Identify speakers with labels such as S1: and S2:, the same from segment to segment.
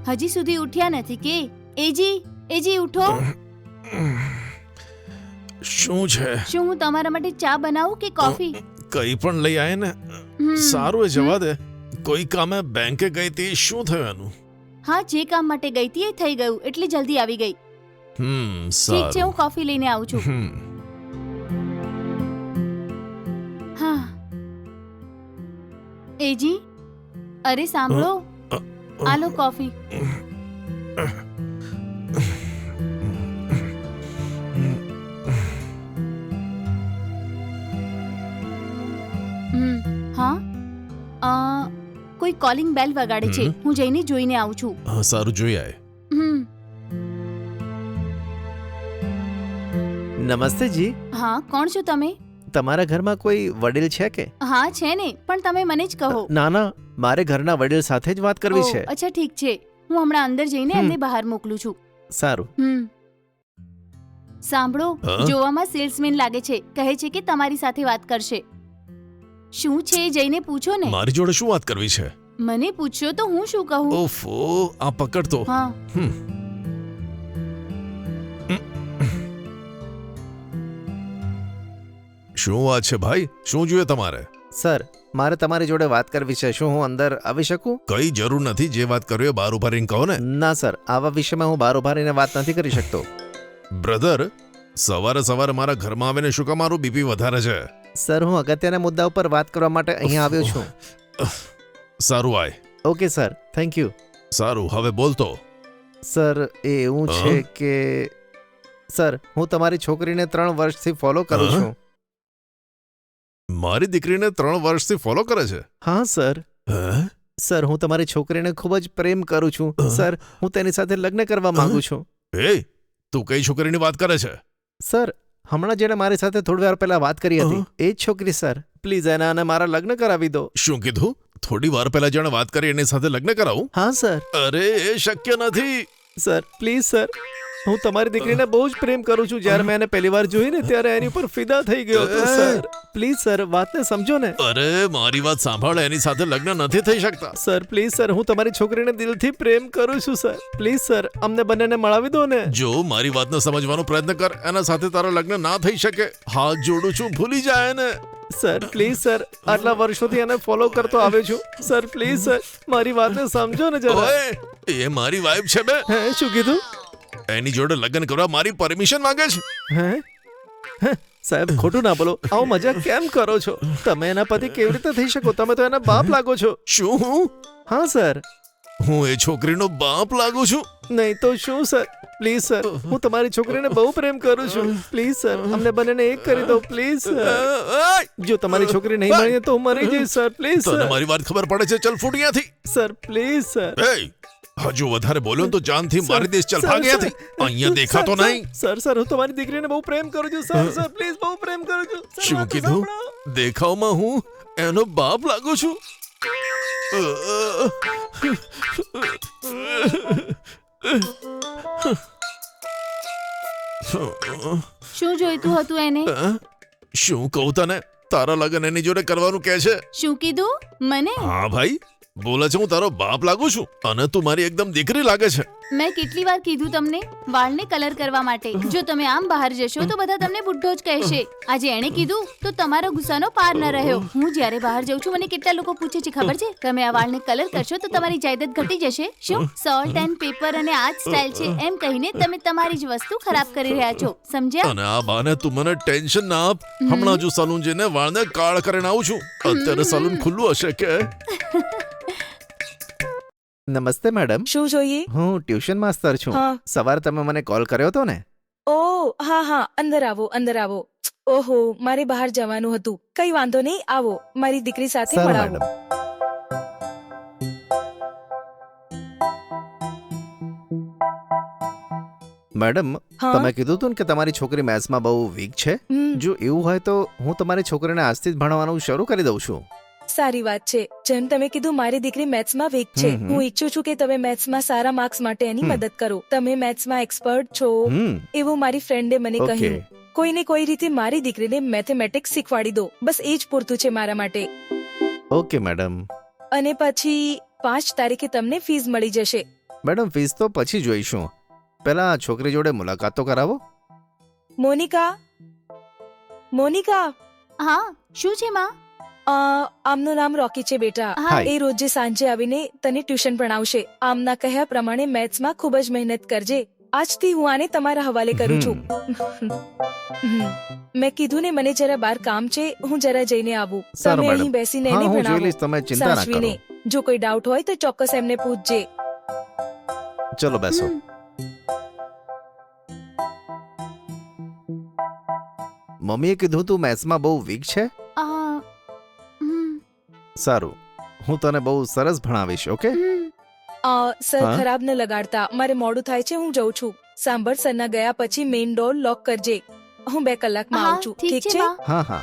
S1: હજી સુધી ઉઠ્યા નથી કે? એજી ઉઠો.
S2: શું છે?
S1: શું હું તમારા માટે ચા બનાવું કે કોફી?
S2: કઈ પણ લઈ આય ને. સારું એ જવા દે. કોઈ કામે બેંકે ગઈ હતી, શું થયું એનું?
S1: હા, જે કામ માટે ગઈ હતી એ થઈ ગયું, એટલે જલ્દી આવી ગઈ. ઠીક છે, હું કોફી લઈને આવું છું. હા એજી, અરે સાંભળો, આ લો કોફી. હા, કોઈ કોલિંગ બેલ વગાડે છે, હું જઈને જોઈને આવું છું.
S2: સારું, જોઈ આય.
S3: નમસ્તે જી.
S1: હા, કોણ છો તમે?
S3: તમારા ઘરમાં કોઈ વડીલ છે કે?
S1: હા છે ને, પણ તમે મને જ કહો.
S3: ના ના, મારે ઘરના વડીલ સાથે જ વાત કરવી છે.
S1: અચ્છા ઠીક છે, હું હમણાં અંદર જઈને એમને બહાર મોકલું છું.
S3: સારું.
S1: સાંભળો, જોવામાં સેલ્સમેન લાગે છે, કહે છે કે તમારી સાથે વાત કરશે. શું છે જઈને પૂછો ને.
S2: મારી જોડે શું વાત કરવી છે?
S1: મને પૂછ્યો તો હું શું કહું?
S2: ઓફો, આ પકડ તો.
S1: હા.
S2: શું વાત છે ભાઈ? શું જોઈએ તમારે?
S3: સર, મારે તમારી જોડે વાત કરવી છે. શું હું અંદર આવી શકું?
S2: કઈ જરૂર નથી, જે વાત કરવી બહાર ઉભા રહીને કહો ને.
S3: ના સર, આવા વિષયમાં હું બહાર ઉભા રહીને વાત નથી કરી શકતો.
S2: બ્રધર, સવારે સવારે મારા ઘરમાં આવીને શું કામ મારું બીપી વધારે છે?
S3: સર, હું અગત્યના મુદ્દા ઉપર વાત કરવા માટે અહીંયા આવ્યો છું.
S2: સારું, આય.
S3: Okay sir, thank you.
S2: સારું, હવે બોલતો.
S3: સર, એ એવું છે કે સર, હું તમારી છોકરીને 3 વર્ષથી ફોલો કરું છું.
S2: મારી દીકરીને 3 વર્ષથી ફોલો કરે છે?
S3: હા સર. સર, હું તમારી છોકરીને ખૂબ જ પ્રેમ કરું છું. સર, હું તેની સાથે લગ્ન કરવા માંગુ છું.
S2: તું કઈ છોકરીની વાત કરે છે?
S3: સર, હમણાં જેને મારી સાથે થોડી વાર પહેલા વાત કરી હતી, એ જ છોકરી સર. પ્લીઝ એના અને મારા લગ્ન કરાવી દો.
S2: શું કીધું? થોડી વાર પહેલા જેણે વાત કરી એની સાથે લગ્ન કરાવું?
S3: હા સર.
S2: અરે, એ શક્ય નથી.
S3: સર પ્લીઝ સર, હું તમારી દીકરીને બહુ જ પ્રેમ કરું છું. જ્યારે મેં એને પહેલી વાર જોઈને ત્યારે એની ઉપર ફિદા થઈ ગયો હતો. સર પ્લીઝ સર, વાતને સમજો ને.
S2: અરે, મારી વાત સાંભળ, એની સાથે લગ્ન નથી થઈ શકતા.
S3: સર પ્લીઝ સર, હું તમારી છોકરીને દિલથી પ્રેમ કરું છું. સર પ્લીઝ સર, અમને બંનેને મળાવી દો ને.
S2: જો મારી વાતને સમજવાનો પ્રયત્ન કર, એના સાથે તારા લગ્ન ના થઈ શકે. હાથ જોડું છું, ભૂલી જાય ને.
S3: સર પ્લીઝ સર, આટલા વર્ષોથી એને ફોલો કરતો આવ્યો છું. સર પ્લીઝ સર, મારી વાતને સમજો ને જરા.
S2: એ મારી વાઈફ છે બે.
S3: હે, શું કીધું?
S2: એની જોડે લગ્ન કરવા મારી પરમિશન માંગે છે.
S3: હે સાહેબ, ખોટું ના બોલો. આવો મજાક કેમ કરો છો? તમે એના પતિ કેવી રીતે થઈ શકો? તમે તો એના બાપ લાગો છો.
S2: શું હું?
S3: હા સર.
S2: હું એ છોકરીનો બાપ લાગુ છું?
S3: નહીં તો શું સર. પ્લીઝ સર, હું તમારી છોકરીને બહુ પ્રેમ કરું છું. પ્લીઝ સર, અમને બંનેને એક કરી દો પ્લીઝ સર. જો તમારી છોકરી નહીં મળે તો હું મરી જઈશ સર. Please sir.
S2: તને મારી વાત ખબર પડે છે? ચલ ફૂટ અહીંયાથી.
S3: Sir please sir.
S2: હજુ વધારે બોલ્યો તો જાનથી મારી દેશ. ચલ ભાગ અહીંયાથી. અહીંયા દેખાતો નહીં.
S3: સર હું તમારી દીકરીને બહુ પ્રેમ કરું છું. સર પ્લીઝ, બહુ પ્રેમ કરું છું.
S2: શું કીધું? દેખાવમાં હું એનો બાપ લાગુ છું?
S1: શું જોઈતું હતું એને?
S2: શું કહું તને? તારા લગ્ન એની જોડે કરવાનું કહે છે.
S1: શું કીધું? મને?
S2: હા ભાઈ, બોલે છે હું તારો બાપ લાગુ છું અને તું મારી એકદમ દીકરી લાગે છે.
S1: મેં કેટલી વાર કીધું તમને વાળને કલર કરવા માટે? જો તમે આમ બહાર જશો તો બધા તમને બુઢ્ઢો જ કહેશે. આજે એણે કીધું તો તમારો ગુસ્સાનો પાર ન રહ્યો. હું જ્યારે બહાર જાઉં છું મને કેટલા લોકો પૂછે છે ખબર છે? તમે આ વાળને કલર કરશો તો તમારી જાયદાદ ઘટી જશે. શું સોલ્ટ એન્ડ પેપર અને આ જ સ્ટાઇલ છે એમ કહીને તમે તમારી જ વસ્તુ ખરાબ કરી રહ્યા છો, સમજ્યા?
S2: અને આ બાને તું મને ટેન્શન ના આપ. હમણાં જો સલૂન જઈને વાળને કાળ કરીને આવું છું. અત્યારે સલૂન ખુલ્લું હશે કે?
S3: નમસ્તે મેડમ.
S4: શું જોઈએ?
S3: હું ટ્યુશન માસ્તર છું. સવારે તમે મને કોલ કર્યો હતો ને?
S4: ઓહ હા, અંદર આવો અંદર આવો. ઓહો, મારે બહાર જવાનું હતું. કઈ વાંધો નહીં, આવો મારી દીકરી સાથે મળાવો.
S3: મેડમ, તમે કીધું હતું કે તમારી છોકરી મેથ્સમાં બહુ વીક છે. જો એવું હોય તો હું તમારી છોકરીને આજથી જ ભણવાનું શરૂ કરી દઉં છું.
S4: સારી વાત છે. જેમ તમે કીધું મારી દીકરી મેથ્સમાં વીક છે, હું ઈચ્છું છું કે તમે મેથ્સમાં સારા માર્ક્સ માટે એની મદદ કરો. તમે મેથ્સમાં એક્સપર્ટ છો એવું મારી ફ્રેન્ડે મને કહ્યું. કોઈને કોઈ રીતે મારી દીકરીને મેથેમેટિક્સ શીખવાડી દો. બસ એ જ પૂરતું છે મારા માટે.
S3: Okay madam.
S4: અને પછી 5 તારીખે તમને ફીસ મળી જશે.
S3: મેડમ ફીસ તો પછી જોઈશું, પહેલા છોકરી જોડે મુલાકાત તો કરાવો.
S4: મોનિકા, મોનિકા,
S1: હા શું છે માં?
S4: આમનું નામ રોકી છે બેટા.
S1: હા.
S4: એ રોજે સાંજે આવીને તને ટ્યુશન ભણાવશે. આમના કહ્યા પ્રમાણે મેથ્સમાં ખૂબ જ મહેનત કરજે. આજથી હું આને તમારા હવાલે કરું છું. મેં કીધું ને મને જરા બહાર કામ છે, હું જરા જઈને આવું.
S3: સારું,
S4: તમે
S3: મેડમ.
S4: અહીં બેસીને
S3: હા,
S4: એને
S3: હું જોઈ
S4: ભણાવો
S3: લઈશ, તમે ચિંતા ના કરો.
S4: સાચવીને. જો કોઈ ડાઉટ હોય તો ચોક્કસ એમને પૂછજે.
S3: ચલો બેસો. મમ્મીએ કીધું તું મેથ્સમાં બહુ વીક છે. સારું, હું તને બહુ સરસ ભણાવીશ. ઓકે.
S4: સર
S3: હા?
S4: ખરાબ ન લગાડતા, મારે મોડું થાય છે, હું જઉં છું. સાંભળ, સરના ગયા પછી મેઇન ડોર લોક કરજે. હું 2 કલાકમાં આવું છું.
S1: ઠીક છે માં.
S3: હા હા.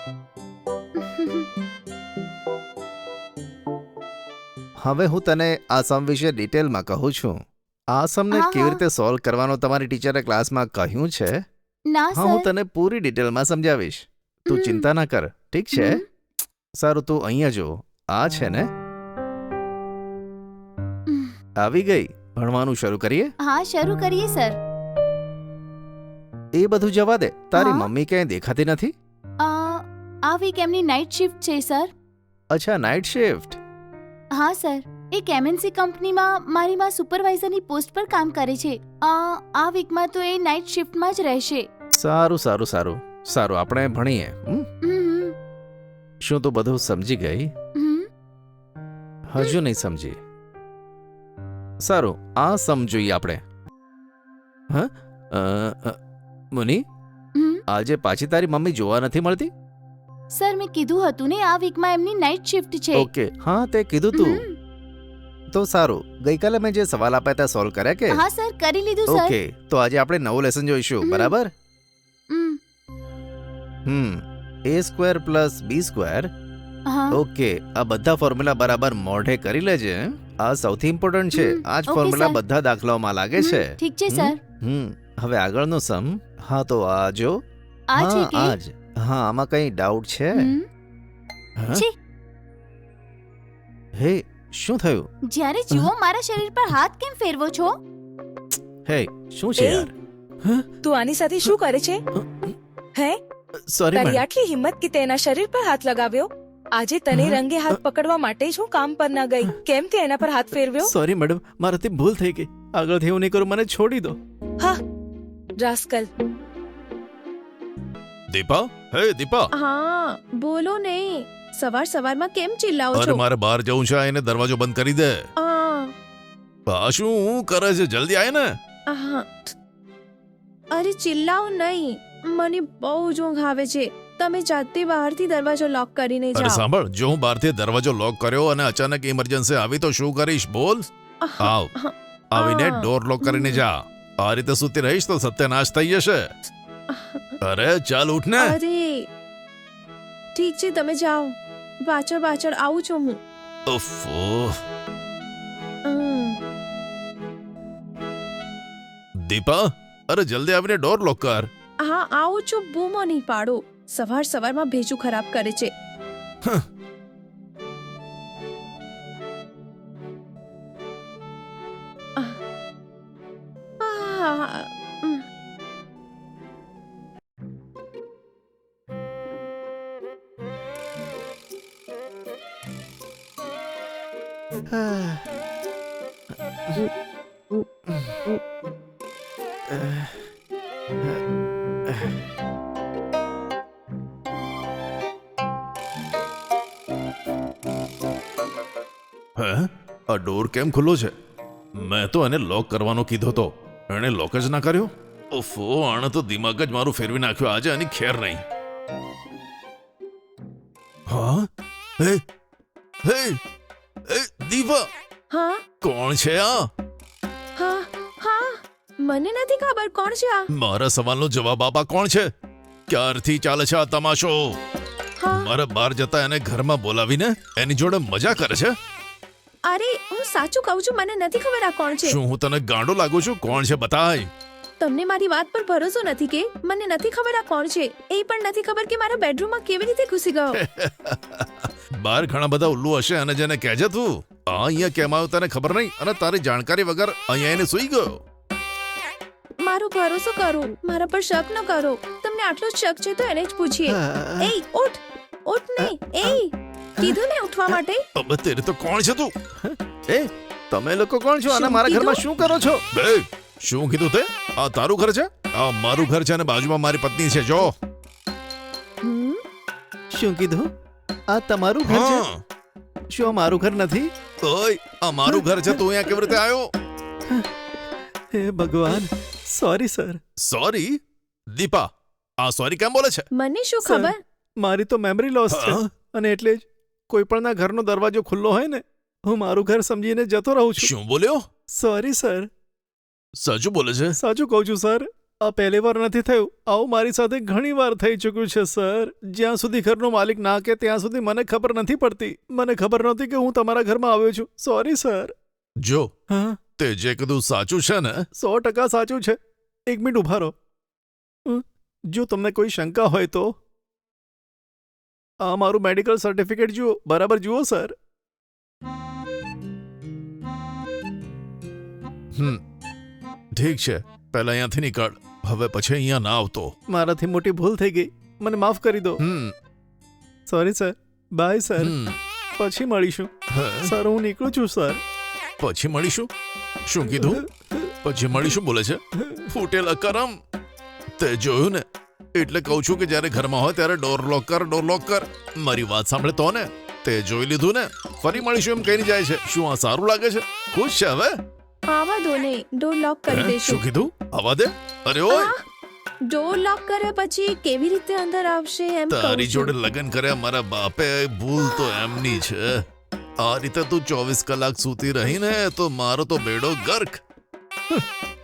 S3: હવે હું તને આ સમ વિશે ડિટેલમાં કહું છું. આ સમને
S1: હા,
S3: કેવી
S1: હા.
S3: રીતે સોલ્વ કરવાનો તમારી ટીચરે ક્લાસમાં કહ્યું છે.
S1: ના
S3: હા, હું
S1: સર.
S3: તને પૂરી ડિટેલમાં સમજાવીશ. તું
S1: હમ.
S3: ચિંતા ના કર, ઠીક છે?
S1: હમ.
S3: સારું, તું અહીંયા જો. આ છે ને, આવી ગઈ. ભણવાનું શરૂ કરીએ.
S1: હા શરૂ કરીએ સર.
S3: એ બધું જવા દે, તારી
S1: હા?
S3: મમ્મી ક્યાંય દેખાતી નથી.
S1: આ વીક એમની નાઇટ શિફ્ટ છે સર.
S3: અચ્છા, નાઇટ શિફ્ટ.
S1: હા સર, એક MNC કંપનીમાં મારી માં સુપરવાઇઝરની પોસ્ટ પર કામ કરે છે. આ વીકમાં તો એ નાઇટ શિફ્ટમાં જ રહેશે.
S3: સારું સારું સારું સારું, આપણે ભણીએ.
S1: હમ,
S3: શું તું બધું સમજી ગઈ?
S1: હમ.
S3: હજુ નહીં સમજી. સારું, આ સમજોઈએ આપણે. હા, મુની,
S1: હમ.
S3: આજે પાછી તારી મમ્મી જોવા નથી મળતી.
S1: સર મેં કીધું હતું ને આ વીકમાં એમની નાઇટ શિફ્ટ છે.
S3: ઓકે, હા તે કીધું તું.
S1: હમ.
S3: તો સારું, ગઈકાલે મેં જે સવાલ આપ્યા હતા સોલ્વ કર્યા કે?
S1: હા સર, કરી લીધું સર.
S3: ઓકે, તો આજે આપણે નવું લેસન જોઈશું.
S1: હમ.
S3: બરાબર.
S1: હમ.
S3: a² + b².
S1: હા.
S3: ઓકે, આ બધા ફોર્મ્યુલા બરાબર મોઢે કરી લેજે. આ સૌથી ઇમ્પોર્ટન્ટ છે.
S1: હમ,
S3: આ જ
S1: ઓકે,
S3: ફોર્મ્યુલા
S1: સર.
S3: બધા દાખલાઓમાં લાગે છે.
S1: ઠીક છે સર.
S3: હવે આગળનો સમ. હા, તો આ જો.
S1: આ છે
S3: હા,
S1: કે?
S3: આ જ. હા, આમાં કઈ ડાઉટ છે?
S1: હમ.
S3: હા?
S1: છે.
S3: હે, શું થયું?
S1: જ્યારે જુઓ મારા શરીર પર હાથ કેમ ફેરવો છો?
S3: હે, શું છે
S4: એ?
S3: યાર?
S4: તું આની સાથે શું કરે છે? હે,
S3: સોરી
S4: તારી
S3: મેડમ.
S4: આટલી હિંમત કે તેના શરીર પર હાથ લગાવ્યો? આજે તને
S3: હા?
S4: રંગે હાથ પકડવા માટે જ હું કામ પર ના ગઈ. કેમ તે એના પર હાથ ફેરવ્યો?
S3: સોરી મેડમ, મારાથી ભૂલ થઈ ગઈ. આગળથી એવું નહીં કરું, મને છોડી દો.
S4: હા, રાસ્કલ.
S2: દીપા, હે દીપા,
S5: હા બોલો ને, સવાર સવારમાં કેમ ચિલ્લાઓ
S2: અરે
S5: છો?
S2: મારે બહાર જવું છે, એને દરવાજો બંધ કરી દે.
S5: આ,
S2: આ શું કરે છે? જલ્દી આય ને.
S5: આહા. અરે ચિલ્લાઓ નહીં, મને બહુ જ ઊંઘ આવે છે. તમે જાતે બહારથી દરવાજો લોક કરીને
S2: અરે
S5: જાઓ.
S2: સાંભળ, જો હું બહારથી દરવાજો લોક કર્યો અને અચાનક ઇમરજન્સી આવી તો શું કરીશ? બોલ. આવ, આવીને ડોર લોક કરીને જા. આ રીતે સૂતી રહીશ તો સત્યનાશ થઈ જશે. અરે ચાલ ઉઠ ને.
S5: અરે ઠીક છે, તમે જાઓ. પાછળ પાછળ આવું છું હું.
S2: ઉફ્ફો.
S5: હમ.
S2: દીપા, અરે જલ્દી આવીને ડોર લોક કર.
S5: હા આવું છું, બૂમો નહીં પાડો. સવાર સવારમાં ભેજું ખરાબ કરે છે. આહ. ઉમ.
S2: હે, આ ડોર કેમ ખુલ્લો છે? મેં તો એને લોક કરવાનો કીધો તો, એણે લોક જ ના કર્યો. ઓફો, આણે તો દિમાગ જ મારું ફેરવી નાખ્યું. આજે આની ખેર નહીં. હા, હે હે એ દીપા,
S5: હા
S2: કોણ છે આ?
S5: હા હા, મને નથી ખબર કોણ છે આ.
S2: મારા સવાલનો જવાબ આપા, કોણ છે? ક્યારથી ચાલે છે આ તમાશો?
S5: હા,
S2: મારા બહાર જતા એને ઘરમાં બોલાવીને એની જોડે મજા કરે છે.
S5: અરે હું સાચું કહું છું, મને નથી ખબર આ કોણ છે.
S2: શું હું તને ગાંડો લાગુ છું? કોણ છે બતાય.
S5: તમને મારી વાત પર ભરોસો નથી કે? મને નથી ખબર આ કોણ છે. એ પણ નથી ખબર કે મારા બેડરૂમમાં કેવી રીતે ઘૂસી ગયો.
S2: બહાર ઘણા બધા ઉલ્લુ હશે અને જેને કહેજે તું. આ અહીંયા કેમ આવ્યો તને ખબર નહીં અને તારી જાણકારી વગર અહીંયા એને સૂઈ ગયો.
S5: મારો ભરોસો કરો, મારા પર શક ન કરો. તમને આટલો જ શક છે તો એને જ પૂછીએ. એ ઉઠ ઉઠ ને. એ કીધું ને ઉઠવા માટે.
S2: અબે તેરે તો કોણ છે તું?
S3: એ તમે લોકો કોણ છો અને
S5: શું
S3: મારા ઘરમાં
S5: કીધું?
S3: શું કરો છો?
S2: બે શું કીધું તે? આ તારું ઘર છે? આ મારું ઘર છે અને બાજુમાં મારી પત્ની છે. જો
S5: હમ?
S3: શું કીધું? આ તમારું ઘર છે?
S2: હા.
S3: શું આ મારું ઘર નથી?
S2: ઓય આ મારું ઘર છે. તું અહીંયા કેવી રીતે આવ્યો?
S3: હે ભગવાન, સોરી સર.
S2: સોરી દીપા, આ સોરી કેમ બોલે છે?
S5: મને શું
S3: સર,
S5: ખબર?
S3: મારી તો મેમરી લોસ છે
S2: હા?
S3: અને એટલે જ કોઈ પણના ઘરનો દરવાજો ખુલ્લો હોય ને હું મારું ઘર સમજીને જતો રહું છું.
S2: શું બોલ્યો?
S3: Sorry sir.
S2: સાચું બોલે છે?
S3: સાચું કહું છું સર. આ પહેલી વાર નથી થયું, આવું મારી સાથે ઘણી વાર થઈ ચૂક્યું છે સર. જ્યાં સુધી ઘરનો માલિક ના કે ત્યાં સુધી મને ખબર નથી પડતી. મને ખબર નહોતી કે હું તમારા ઘરમાં આવ્યો છું. Sorry sir.
S2: જો
S3: હા,
S2: તે જે કીધું સાચું છે ને?
S3: 100% સાચું છે. એક મિનિટ ઉભા રહો. જો તમને કોઈ શંકા હોય તો આ મારું મેડિકલ સર્ટિફિકેટ જુઓ. બરાબર જુઓ સર.
S2: ઠીક છે, પહેલા અહીંયાથી નીકળ. હવે પછી અહીંયા ના આવતો.
S3: મારાથી મોટી ભૂલ થઈ ગઈ, મને માફ કરી દો. Sorry sir. Bye sir. પછી મળીશું. સર હું નીકળું છું સર.
S2: પછી મળીશું? શું કીધું? પછી મળીશું બોલે છે? ફૂટેલા કરમ. તે જોયું ને, એટલે કહું છું કે જ્યારે ઘરમાં હોય ત્યારે ડોર લોક કર, ડોર લોક કર. મારી વાત સાંભળે તો ને. તે જોઈ લીધું ને? ફરી મળીશું એમ કહીને જાય છે. શું આ સારું લાગે છે? ખુશ છે હવે?
S5: આવા દો ને, ડોર લોક કરી
S2: શું
S5: દેશું.
S2: કીધું? આવા દે. અરે ઓય,
S5: ડોર લોક કર્યા પછી કેવી રીતે અંદર આવશે એમ કહું
S2: તારી
S5: છું.
S2: જોડે લગ્ન કર્યા મારા બાપે. ભૂલ તો એમની છે. આ રીતે તું 24 કલાક સૂતી રહીને તો મારો તો બેડો ગર્ક.